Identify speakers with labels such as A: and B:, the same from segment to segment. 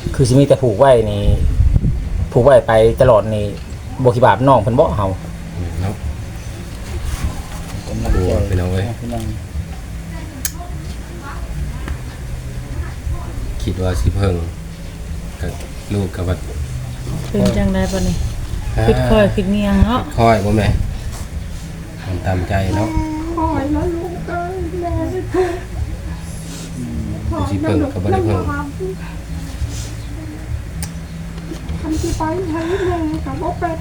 A: คือสิมีแต่ผูกไว้นี่ผูกไว้ไปตลอดนี่บ่คิดบาปน้องเพิ่นบ่เฮา
B: เนาะโอ้พี่น้องเอ้ยคิดว่าสิเพิ่งกับลูกกับว่า
C: เป็นจังได๋ปะนี่คิดค่อยคิดเนียงเนาะ
B: ค่อยบ่แม่ทำตามใจเนาะ
D: คอยแล้วลูกเอ้ยแม่ไม่ถูก
B: สิเพิ่งกับบ่ได้เพิ่ง
D: ทำที่ไปให้แม่กับบ่เป็น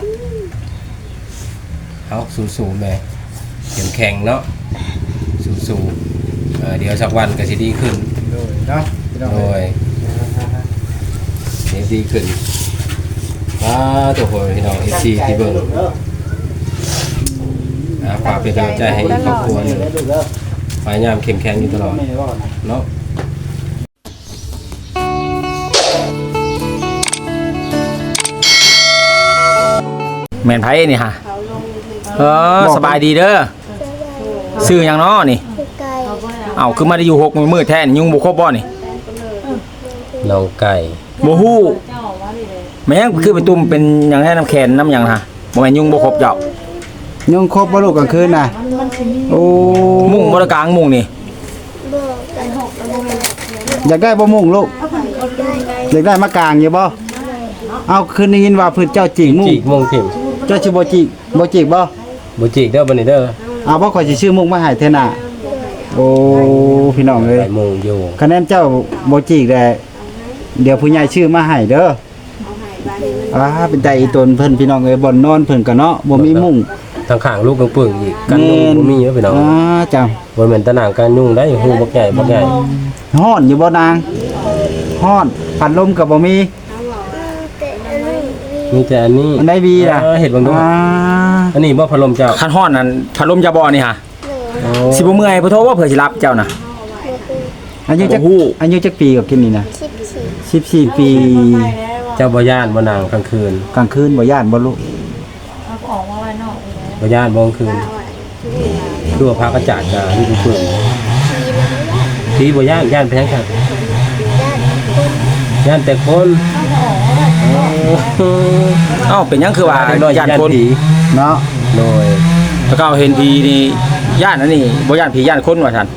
B: เอาสู้ๆแม่เข้มแข็งเนาะสู้ๆเดี๋ยวสักวันก็สิดีขึ้น
E: โดยเนาะพี่น้อง
B: โดยดีขึ้นตัวโหพี่น้อง FC ที่เบิ่งฝากเป็นกำลังใจให้ครอบครัวนึงพยายามเข้มแข็งอยู่ตลอดเนาะ
A: แม่นไผนี่ฮะสบายดีเด้อชื่อหยังน้อนี่เอ้าคือมาได้อยู่6 มื้อแท้นี่ยุงบ่ครบบ่นี่
B: น้องไก่
A: บ่ฮู้แม่งคือเป็นตุ่มเป็นหยังแท้น้ำแข็งน้ำหยังฮะบ่แม่นยุงบ่ครบเจ้า
E: ยุงครบบ่ลูกกลางคืนน่ะโอ้
A: มุ้งบ่ได้กลางมุ้งนี่
E: อยากได้บ่มุงลูกอยากได้มากางอยู่บ่เอาคืนนี้ยินว่าเพิ่นเจ้าจิกมุง
B: จิกมงถิ่ม
E: เจ้าสิบ่จิกบ่จิกบ่
B: บ่จิกเด้อบัดนี้เด้อ
E: เอาบ่ข่อยสิซื้อมุงมาให้เท่าน่ะโอ้พี่น้องเอ้ย
B: ไปมงอยู่
E: คะแนนเจ้าบ่จิกได้เดี๋ยวผู้ใหญ่ชื่อมาให้เด้อเป็นใจอีตนเพิ่นพี่น้องเอ้ยบ่อนนอนเพิ่นก็เนาะบ่มีมุง
B: ทางข้างลูกกังปึ่งอีกกันยุ่งบ่มีเด้อพี่น้อง
E: จ้ะ
B: บ่แม่นตะหนางกันยุ่งได้ฮู้บักใหญ่บักใหญ่
E: ฮ้อนอยู่บ่นางฮ้อนพัดลมก็บ่มี
B: มีแต่อันนี้
E: อันใดบีล่ะ
B: เฮ็ดเบิ่งดูอันนี้บ่พัดลมเจ้า
A: คันฮ้อนนั่นพัดลมจะบ่นี่ฮะสิบ่เมื่อยบ่โทรว่าเผื่อสิรับเจ้าน่ะ
E: อายุจัก
A: โอ้โห
E: อายุจักปีกับกินนี่นะ14 ปี
B: เจ้าบ่ย่านบ่นางกลางคืน
E: กลางคืนบ่ย่านบ่ลูก
B: บ่ย่านบ่กลางคืนดูว่าพระกระจาดกะนี่คือปึ่งที่บ่ย่านไปทางข้างย่านแต่คน
A: เอ้าเป็นหยังคือว่าย่านคน
B: ผี
E: เนาะ
B: โดย
A: ถ้าเขาเห็นผีนี่ย่านอันนี้บ่ย่านผีย่านคนว่าซั่น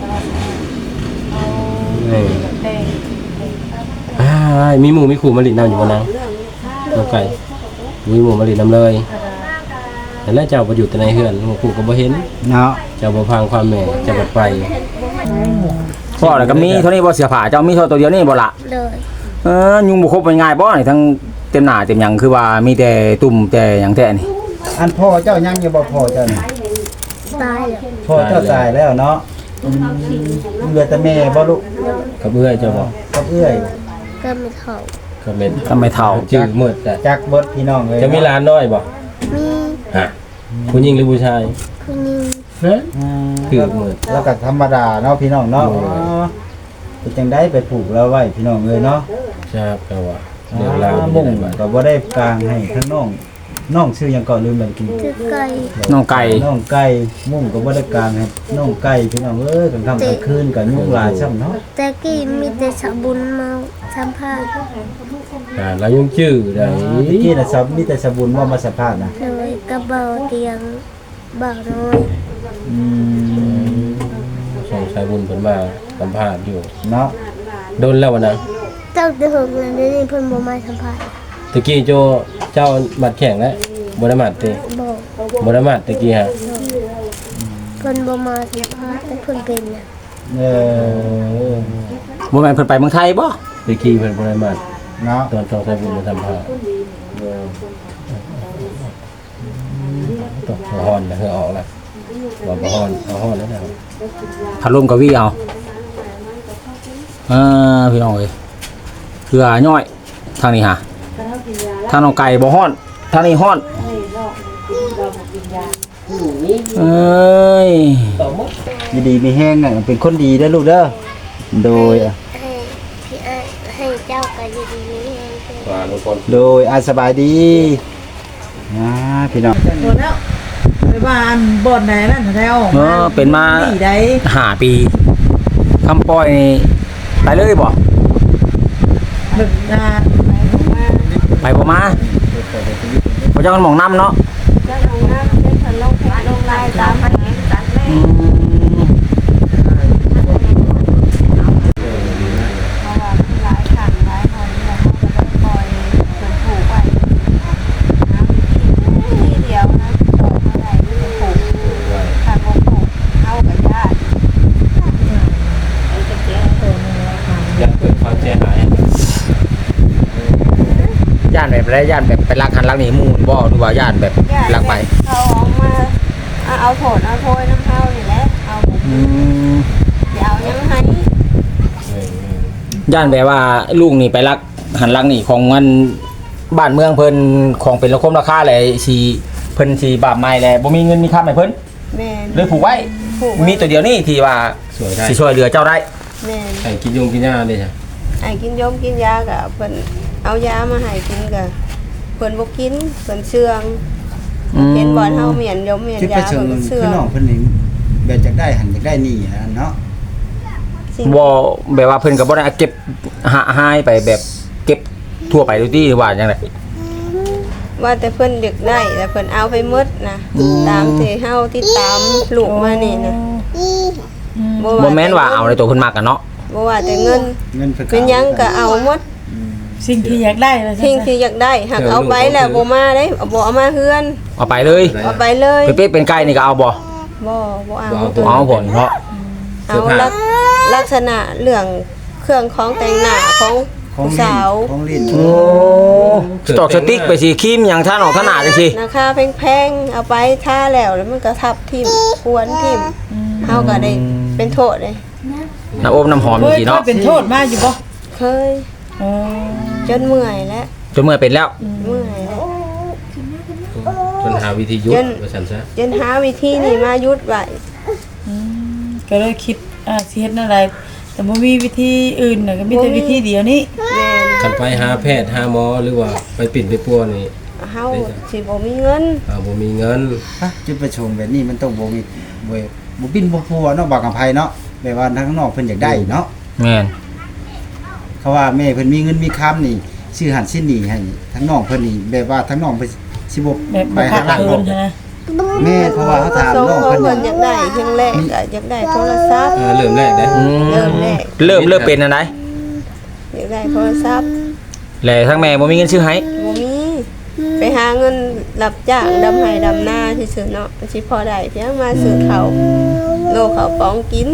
B: มีหมูมีขู่มาลิดน้ำอยู่บนนั้นน้องไก่มีหมูมาลิดน้ำเลยแล้วเจ้าประยุทธ์ในเฮือนหมูขู่ก็บ่เห็น
E: เนาะ
B: เจ้าบ่พังความแม่เจ้าบ่ไป
A: พ่อแล้วก็มีเท่านี้บ่เสียผ้าเจ้ามีเท่าตัวเดียวนี่บ่ล่ะ
D: เลย
A: ยุงบ่ครบมันง่ายบ่นี่ทั้งเต็มหน้าเต็มหยังคือว่ามีแต่ตุ่มแต่หยังแท้นี่
E: อันพ่อเจ้ายังอยู่บ่พ่อเจ้านี่
D: ตายแล้ว
E: พ่อเจ้าตายแล้วเนาะเหลือแต่แม่บ่ลูก
B: กับเอื้อยเจ้าบ่
E: กับเอื้อย
D: ก็ไม่เท่า
B: กับเม็ด
A: ทำไมเฒ่า
B: จืดมืดแต่
E: จักเบิดพี่น้องเลย
B: จะมีหลานน้อยบ่
D: มี
B: ฮะผู้หญิงหรือผู้ชาย
D: คุณยิง
B: ฮะคือมืด
E: แล้วก็ธรรมดาเนาะพี่น้องเนาะ
B: โอ้ย
E: เป็นจังได้ไปผูกแล้วไว้พี่น้องเลยเนาะ
B: ครับก็ว่าเรื่องราว
E: มุ่ง
B: เป็นจังได๋
E: ก็บ่ได้กลางให้ทั้งน้องชื่อหยังก่อนลืมแล้วกิน
D: คือไก่
A: น้องไก่
E: น้องไก่มุ่งก็บ่ได้กลางให้น้องไก่พี่น้องเอ้ยกลางค่ำกลางคืนก็ยุ่งหลายซ้ำเนาะ
D: แต่กี้มีแต่สบุญมาสัมภาษณ์
B: แล้วยังชื่อได้
E: ตะกี้น่ะซับมีแต่สบุญว่ามาสัมภาษณ์นะ
D: เลยกระเบาเตียงเบาน้อย
E: อืม
B: ส่งสายบุญเพิ่นมาสัมภาษณ์อยู่
E: เนาะ
B: โดนแล้ววันนั้น
D: เจ้าจะหกเงินนี่เพิ่นบ่มาสัมภาษณ์
B: ตะกี้เจ้ามัดแข่งแล้วบ่ได้มัดติ
D: บอก
B: บ่ได้มัดตะกี้ฮะ
D: เพิ่นบ่มาสัมภาษณ์แต่เพิ่นเป็นน่ะ
E: เออ
A: บ่แม่นเพิ่นไปเมืองไทยบ่
B: ตะกี้เพิ่นบ่ได้มัด
E: เนาะ
B: ตอนส่งสายบุญมาสัมภาษณ์ต้องฮ้อนนะเฮือออกแล้วว่าบ่ฮ้อนเอาฮ้อนแล้วนะ
A: พัดลมก็วิเอาพี่น้องเอ้ยเคือน้อยทางนี้ฮะทางน้องไก่บ่ฮ้อนทางนี้ฮ้อนเอ้ย
E: ดีๆมีแห้งอ่ะเป็นคนดีเด้อลูกเด้อโดยอ่ะ
D: ให้พี่ให้เจ้าก็ดีๆนี่เอง
B: ว่าทุกคน
E: โดยสบายดีพี่น้อง
C: หมดแล้วไปบ้านบ่อนไหนนั่นแถว
A: เป็นมา
C: ที่ใด
A: 5 ปีคำปล่อยนี่ไปเลยบ่
C: แบบ
A: ไปบ่มาบ่จักมันหม่องน้ำเนาะ
D: เจ้าของน้ำเป็นคนลงเพจลงไลน์ตามมันเองตัดแม่
A: อืม
D: เพราะว่ามันหลายขันหลายคนเนี่ยเขาก็เลยปล่อยจนผูกไว้น้ำที่เดียวนะต่อเมื่อไหร่ไม่จะผูกขาดผูกเข้ากับญาติไอ้จะเจ๊ตัวนึงแล้วค่ะ
B: อยากเกิดความเสียหาย
A: ย่านแบบไรย่านแบบไปลักหันลักนี่หมู่บ่หรือว่าย่านแบบลักไป
D: เขาออกมาเอาโถดเอาโพยน้ำเข้านี่แหละเอา
A: อืม
D: เดี๋ยวยังให้
A: ย่านแบบว่าลูกนี่ไปลักหันลักนี่ของมันบ้านเมืองเพิ่นของเป็นราคาราคาแหละสิเพิ่นสิบาปไม้แหละบ่มีเงินมีค่าให้เพิ่น
D: แม่น
A: เลยผูกไว้
D: ผูก
A: มีตัวเดียวนี่ที่ว่า
B: สวยได้
A: สิช่วยเหลือเจ้าได้
D: แม่น
B: ไอ้กินยงกินยาเลยจ้ะ
D: ไอ้กินยมกินยากับเพิ่นเอายามาให้กินกับเพิ่นบ่กินเพิ่นเชื่องเห็นบ่อนเฮาเมียนยมเมียน
E: ที่
D: ยา
E: ประชาช
D: เพิ่
E: น
D: นเชื่อ
E: พี่
D: ง
E: น้องเพิ่นนี่แบบอยากได้หันอยากได้นี่เนาะ
D: สิ่ง
A: บ่แบบว่าเพิ่นก็บ่ได้เก็บหายไปแบบเก็บทั่วไปดูที่ว่าจังได๋
D: ว่าแต่เพิ่นเด็กได้แต่เพิ่นเอาไปหมดนะตามที่เฮาที่ตามลูกมานี่นะ
A: บ่แม่นว่าเอาในตัวเพิ่นมักกันเนาะ
D: บ่ว่าแต่เงิน
E: เงินเพิ่น
D: เป็นหยังก็เอาหมด
C: สิ่งที่อยากได้ว่าซั่น
D: สิ่งที่อยากได้หักเอาไปแล้วบ่มาได้บ่เอามาเฮือน
A: เอาไปเลย
D: เอาไปเลย
A: เป๊ะๆเป็นไก่นี่ก็เอาบ่
D: บ่เอา
A: เอาผลเพราะ
D: เอาลักษณะเรื่องเครื่องของแต่งหน้าของ
E: ของ
D: ผู้
E: ลิ้น
D: สาว
E: ของลิ้น
A: โอ้สตอกสติ๊กไปสิครีมหยังท่านออกท่าหนาจังซี่
D: ราคาแพงๆเอาไปทาแล้วมันก็ทับทิ่มควรทิ่มเฮาก็ได้เป็นโทษเลย
A: น้ำอบน้ำหอม
C: เค
A: จัง
C: ย
A: ซี่
C: เค
A: เนาะ
C: ยเป็นโทษมาอยู่บ่
D: เคย
C: อ๋อ
D: จนเมื่อยแล้ว
A: จนเมื่อเป็นแล้ว
D: เมื่อยแล้ว
B: จนหาวิธียุดว่าฉันซะ
D: จนหาวิธีนี่มายุดไว้
C: ก็เลยคิดสิเฮ็ดอะไร แต่บ่มีวิธีอื่นน่ะก็มีแต่วิธีเดียวนี้
D: แม่น
B: คันไปหาแพทย์หาหมอหรือว่าไปปิ่นไปปัวนี่
D: เฮาสิบ่มีเงิน
B: บ่มีเงิน
E: จุดประสงค์แบบนี้มันต้องบ่มีบ่บินบ่พัวเนาะบางกำไผเนาะแบบว่าทางนอกเพิ่นอยากได้เนาะ
A: แม่น
E: เขาว่าแม่เพิ่นมีเงินมีคำนี่ซื้อหันสิ้นนี่ให้ทั้งน้องเพิ่นนี่แบบว่าทั้งน้องเพิ่นสิบ่
C: แบบ
E: ไป
C: บ่
E: หา
C: ขาด
E: หลัง
C: เคิ
E: บ่
C: นนะ
E: แม่เพราะว่าเขาถาม
D: ส่ง
E: น้อง
D: ของ
E: เพิ่น
D: เพิ่นอ
E: นี่
D: ยากได้เพียงแรกก็อยากได้โทรศัพท์
B: เริ่มแรกเด้
A: อืม
D: เริ่มแรก
A: เริ่มเป็นอันใด
D: อยากได้โทรศัพท์
A: แล้วทั้งแม่บ่มีเงินซื้อให้
D: บ่มีไปหาเงินรับจ้างดำไห้ดำนาซื่อๆเนาะสิพอได้เพียงมาซื้อข้าวโลข้าวปองกิน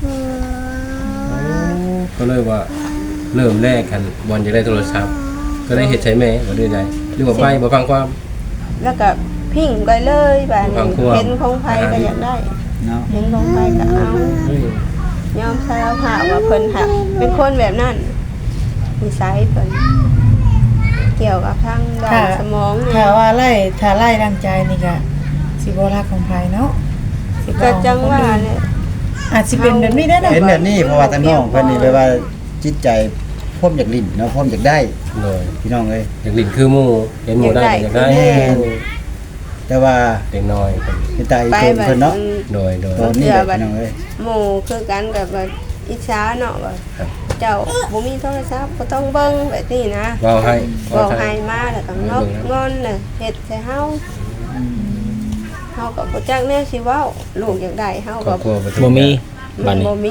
B: ก็เลยว่าเริ่มแรกกันบอลจะได้โทรศัพท์ก็ได้เฮ็ดใช้แม่บ่ได้ใดหรือว่าไปบ่ฟังความ
D: แล้วก็พิ้งไปเลยแบบ
B: วาง
D: นี้
B: ควบ
D: เห็นของไผก็อยากได้
E: เนาะ
D: เห็นของไผก็เอายอมสารภาพว่าเพิ่นหักเป็นคนแบบนั้นนิสัยเพิ่นเกี่ยวกับทางด้านสมองเนี่
C: ถ้าย ว่าถ้าไล่ดังใจนี่ก็สิบ่รักของไผเนาะสิบ่
D: ก็จังว่าเนี่ย
C: อาจสิเป็นแบบนี้ได้นะ
E: เห็นแบบนี้เพราะว่าทั้งน้องเพิ่นนี่แบบว่าจิตใจพร้อมอยากลิ้นเนาะพร้อมอยากได้
B: เลย
E: พี่น้องเอ้ย
B: อยากลิ้นคือหมู่เห็นหมู่ได้ก็อยากได้
E: แม่ แต่ว่า
B: เด็กน้อย
E: เป็นตาอี
D: ไป
E: โตน
D: แบบ
E: เพิ่นเนาะ
B: โดย
E: ตอนนี้แหละพี่น้องเอ้ย
D: หมู่คือกันแบบว่าอิจฉาเนาะว่าเจ้าบ่มีโทรศัพท์ก็ต้องเบิ่งแบบนี้นะ
B: เว้าให้
D: บอกให้มาแล้วก็นกงอนน่ะเฮ็ดใส่เฮาเฮาก็บ่จักแนวสิเว้าลูกอยากได้เฮา
B: คร
D: ก็
B: อบครัว
A: บ่มีบัดนี้
D: บ่มี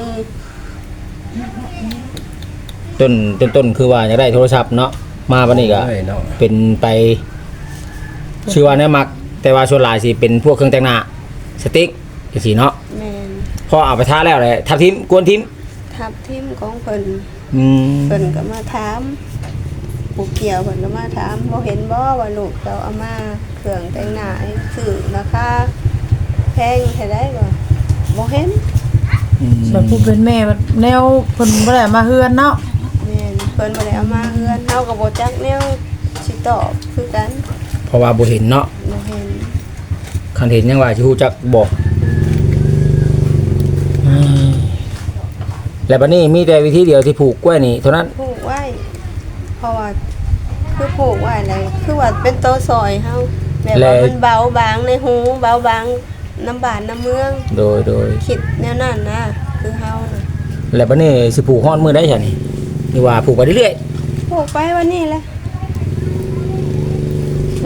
A: ต้นคือว่าจะได้โทรศัพท์เนาะมาบัดนี้ก็
B: เอ้ยเนาะ
A: เป็นไปชื่อว่าแนวมัก แต่ว่าส่วนหลายสิเป็นพวกเครื่องแต่งหน้าสติ๊กจังซี่เนาะ
D: แม่น
A: พอเอาไปทาแล้วเลยทับทิมกวนทิม
D: ทับทิมของเพิ่น
A: อืม
D: เพิ่นก็มาถามผู้เกี่ยวเพิ่นก็มาถามบ่เห็นบ่ว่าลูกเจ้าเอามาเครื่องแต่งหน้าให้ซื้อราคาแพงเท่าใดบ่เห็น
C: ส่วนผู้เป็นแม่มันแนวเพิ่นบ่ได้มาเฮือนเนาะ
D: แม่นเพิ่นบ่ได้เอามาเฮือนเฮาก็บ่จักแนวสิตอบคือกัน
A: เพราะว่าบ่เห็นเนาะ
D: บ่เห็น
A: คันเห็นยังว่าสิฮู้จักบอกอืมแล้วบัดนี้มีแต่วิธีเดียวที่ผูกกล้วยนี่เท่านั้น
D: ผูกไว้ เพราะว่าคือผูกไว้อะไรคือว่าเป็นโตซอยเฮาแบบว่ามันเบาบางในหูเบาบางน้ำบานน้ำเมือง
A: โดย
D: คิดแนวนั้นนะคือเฮาน่ะ
A: แล้วบัดนี้สิผูกฮอดมื้อใดซั่นนี่ว่าผูกไปเรื่อย
D: ผูกไปวันนี้แหละ
A: ๆ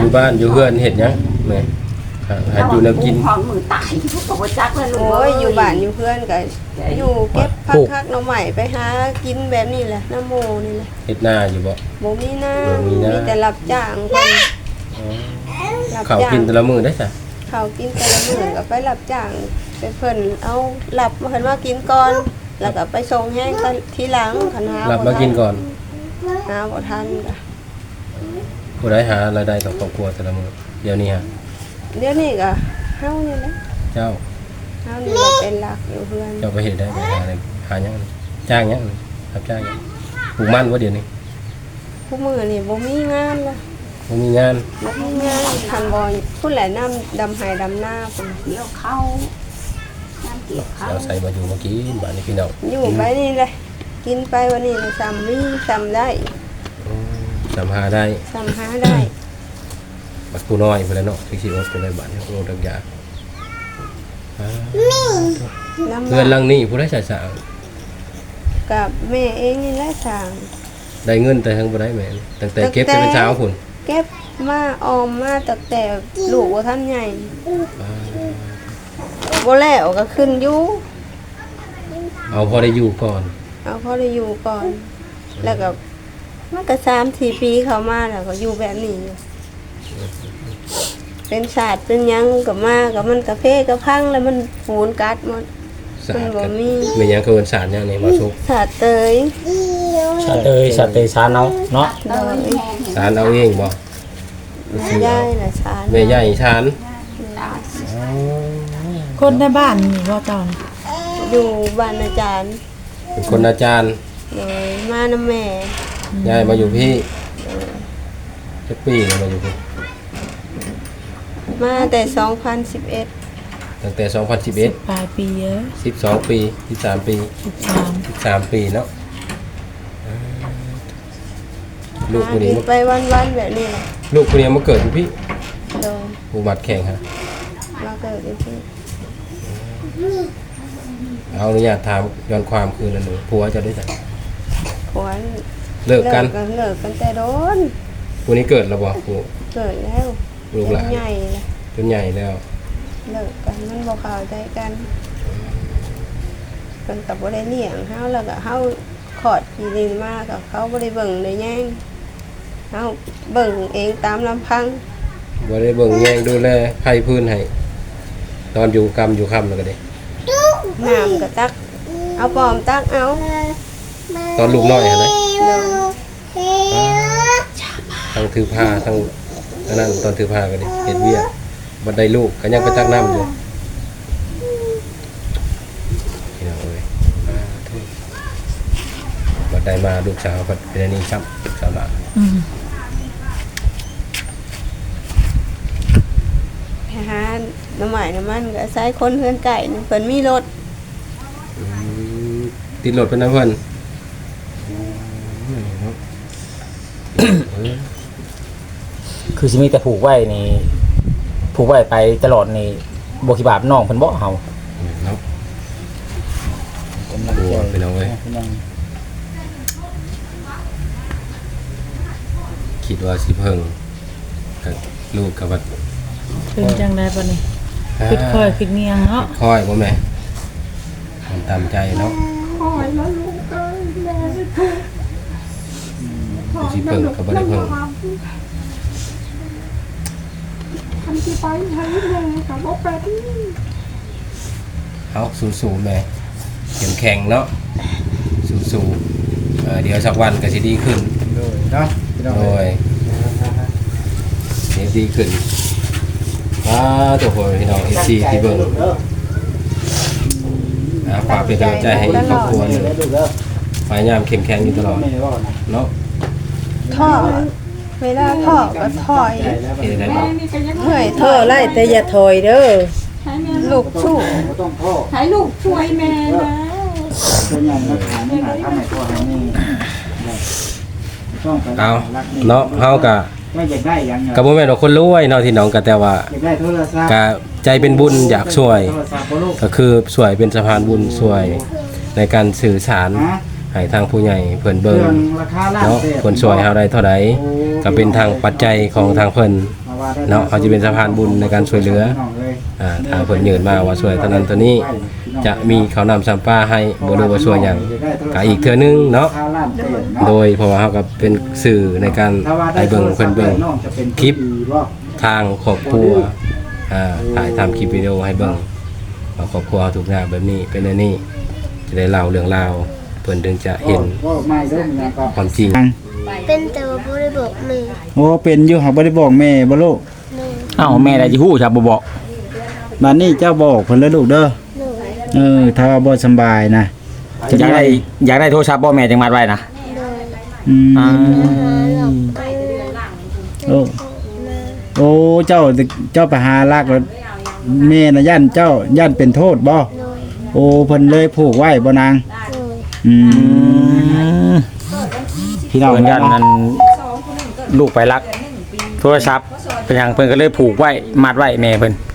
B: อยู่บ้านอยู่เฮือนเฮ็ดหยังแม่หาอยู่แนวกิน
F: ของมือตายก็บ่จักแล้วลูก
D: โอ้ยอยู่บ้านอยู่เพื่อนก็อยู่เก็บผักคักหน่อไม้ไปหากินแบบนี้แหละน้ำโมนี่แหละ
B: เฮ็ดหน้าอยู่บ่
D: บ่มีหน้า
B: บ่มีหน้า
D: มีแต่รับจ้างเพิ่นรับ
B: ข้าว
D: จ้าง
B: กินแต่ละมื้อได้จ้ะ
D: เขากินแต่ละมื้อก็ไปรับจ้างไปเพิ่นเอาหลับมาเพิ่นว่ากินก่อน แล้วก็ไปส่งแห้งกันทีหลังคันหา
B: รับมากินก่อน
D: หาบ่ทันก็
B: ผู้ใดหารายได้ต่อครอบครัวแต่ละมื้อเดี๋ยวนี้ฮะ
D: เดี๋ยวนี้ก็เฮานี่แหละ
B: เจ้า
D: เฮานี่แหละเป็นหลักอยู่เพื่อน
B: เจ้าไปเฮ็ดได้ไปหาอะไรหาหยังจ้างหยังรับจ้างหยังปลูกมันบ่เดี๋ยวนี้
D: ผู้มื้อนี่บ่มีงานละ
B: บ่มีงาน
D: บ่มีงานคันบ่ผู้แหละน้ำดำไห้ดำหน้าพุ่น
F: เกี่ยวเข้าน้ำเกี่ยวเข้า
B: เราใส่มาอยู่เมื่อกี้บ้านนี้พี่น้อง
D: อยู่ไปนี่เลยกินไปวันนี้เลยซ้ำมีซ้ำได้
B: สำหาได้
D: ซ้ำหาได้
B: บัดผู้น้อยพุ่นแหล้วเนาะที่สิอดเป็นได้บ้านนี้โลดักยา
D: ลำ
B: เพื่อนหลังนี้ผู้ใดสร้าง
D: กับแม่เองนี่แหละสั่ง
B: ได้เงินแต่ทั้งบ่ได้แม่นตั้งแต่เก็บแต่เป็นสาวพุ่น
D: เก็บมาออมมาตั้งแต่ลูกว่าท่านใหญ่บ่แล้วก็ขึ้นอยู่
B: เอาพอได้อยู่ก่อน
D: เอาพอได้อยู่ก่อน แล้วก็มันก็3-4 ปีเข้ามาแล้วก็อยู่แบบนี้อยู่เป็นศาสตร์เป็นหยังก็มาก็มันกาแฟก็พังแล้วมันฟูนกัดหมด
B: สะอาด
D: มันบ่
B: กัน
D: มี
B: แม่นหยังคือเอิ้นสารหยังนี่มาสุก
D: ศาสตร์เตย
A: สเตยสานเอาเนาะ
D: โดย
B: สารเอาเองบ่
D: ย่ายน่ะชาน
B: แม่ใหญ่ชาน
C: คนในบ้านนี่ว่าเจ้าน่ะ
D: อยู่บ้านอาจารย์
B: เป็นคนอาจารย์
D: เลยมาน้ำแม่
B: ย้ายมาอยู่พี่จักปีแล้วมาอยู่พี่
D: มาแต่ 2011
B: ตั้งแต่ 2011
C: ปลายปีเยอะ
B: 12 ปี13 ปี
C: 13
B: 13 ปีเนาะลูกคนนี้
D: กินไปวันๆแบบนี้แหละ
B: ลูกคนนี้มาเกิดอยู่พี่
D: โดย
B: อุบัติแข่งฮะ
D: มาเกิดที่พี่
B: เอาอนุญาตถามย้อนความคืนนั้นหนูผัวจะได้จัก
D: ผัว
B: เลิกกัน
D: เลิกกันแต่โดน
B: ผู้นี้เกิดแล้วบ่ผู้
D: เกิดแล้ว
B: ลูกหลาน
D: ใหญ่เลย
B: จนใหญ่แล้ว
D: เลิกกันมันบ่เข้าใจกันเพิ่นก็บ่ได้เลี้ยงเฮาแล้วก็เฮาขอดที่ดินมาก็เขาบ่ได้เบิ่งได้แย่งเฮาเบิ่งเองตามลำพัง
B: บ่ได้เบิ่งแยงดูแลไผพื้นให้ตอนอยู่กรรมอยู่ค่ำแล้วก็ได้
D: น้ำก็ตัก เอาปอมตักเอา
B: ตอนลูกน้อยหั่นนะ
D: เดี๋ยว
B: ทั้งถือผ้าทั้งอันนั้นตอนถือผ้าก็ได้เฮ็ดเวียกบัดได้ลูกก็ยังไปตักน้ำอยู่พี่น้องเอ้ยบัดได้มาลูกสาวก็เป็นอันนี้ครับลูกสาวหลาน
C: อืม
D: ไปหาน้ำใหม่น้ำมันก็ใช้คนเพื่อนไก่นี่เพิ่นมีรถ
B: ติดรถเป็นนะเพิ่น
A: คือสิมีแต่ผูกไว้นี่ผูกไว้ไปตลอดนี่บ่คิดบาปน้องเพิ่นบ่เฮา
B: เนาะกลัวไปเอาไว้ยคิดว่าสิเพิ่งกับลูกกับวัด
C: เป็นจังได๋บัดนี้คิดค่อยคิดเงียงเนาะ
B: ค่อยบ่แม่ทำตามใจเนาะ
F: คอยแล้วลูกเอ้ยแม่ไม่ถูก
B: สิเพิ่งกับบ่ได้เพิ่ง
F: ทำที่ไปให้แม่กับบ่เป็น
B: เอาสู้ๆแม่เข้มแข็งเนาะสู้ๆเดี๋ยวสักวันก็สิดีขึ้น
E: โดยเนาะพี่น้อง
B: โอ้ยเดี๋ยวดีขึ้นตัวโหพี่น้อง FC ที่เบิ่งฝากเป็นกำลังใจให้ครอบครัวหนึงพยายามเข้มแข็งอยู่ตลอดเนาะ
D: ท่อเวลาท่อก็ถอย
B: เฮ็ดได้บ่
F: นี่ก็ยัง
D: เมื่อย
C: เท่าไรแต่อย่าถอยเด้อ
F: ให้แม่
D: ลูกสู้
E: บ่ต้องพ่อ
F: ให้ลูกช่วยแม่นะ
E: ตัวใหญ่มาถามหาทำให้ตัวให้นี่ต้องไป
B: เอาเนาะเฮาก็
E: ไม่อยากได้หยัง
B: ก็บ่แม่นว่าคนรวยเนาะที่น้องก็แต่ว่า
E: อยากได้โทรศัพท์
B: ก็ใจเป็นบุญอยากช่วย
E: โทรศัพท์บ่ลูก
B: ก็คือช่วยเป็นสะพานบุญช่วยในการสื่อสาร
E: ฮะ
B: ให้ทางผู้ใหญ่เพิ่น
E: เครื่
B: เบิ่ง
E: องราคาล้าน
B: เนาะ
E: เศษ
B: เพิ่นช่วยเฮาได้เท่าใดก็เป็นทางปัจจัยของทางเพิ่น
E: เอา
B: เนาะเขาจะเป็นสะพานบุญในการช่วยเหลือทางเพิ่นยืนมาว่าช่วยเท่านั้นเท่านี้จะมีข้าวน้ำซ้ำปลาให้บ่รู้ว่าช่วยหยังก็อีกเทื่อนึงเนาะโดยเพราะว่าเฮาก็เป็นสื่อในการให้เบิ่งเพิ่นเบิ่งคลิปทางครอบครัวถ่ายทำคลิปวิดีโอให้เบิ่งว่าครอบครัวทุกอย่างแบบนี้เป็นอันนี้จะได้เล่าเรื่องราวเพิ่นถึงจะเห็นความจริง
G: เป็นแต่ว่าบ่ได้บอกแม่
E: โอ้เป็นอยู่หักบ่ได้บอกแม่บ่ลูก
G: หนู
A: เอ้าแม่ได้สิฮู้ครับบ่บอก
E: บัดนี้เจ้าบอกเพิ่นแล้วลูกเด้อ
G: หนู
E: ถ้าว่าบ่สำบายนะ
A: อยากได้โทรศัพท์บ่แม่จังมัดไว้นะ
G: หนู
E: อืม
A: อ่า
E: โอ้โอ้เจ้าไปหาลักแล้วแม่น่ะย่านเจ้าย่านเป็นโทษบ่
G: หนู
E: โอ้เพิ่นเลยผูกไว้บ่นาง
G: หนู
E: อื
A: อื
E: ม
A: ม
E: พี่น้อง
A: เพิ่นยัน
E: เนาะ
A: นั้นลูกไปรักโทรศัพท์เป็นหยังเพิ่นก็เลยผูกไว้มัดไว้แม่เพิ่น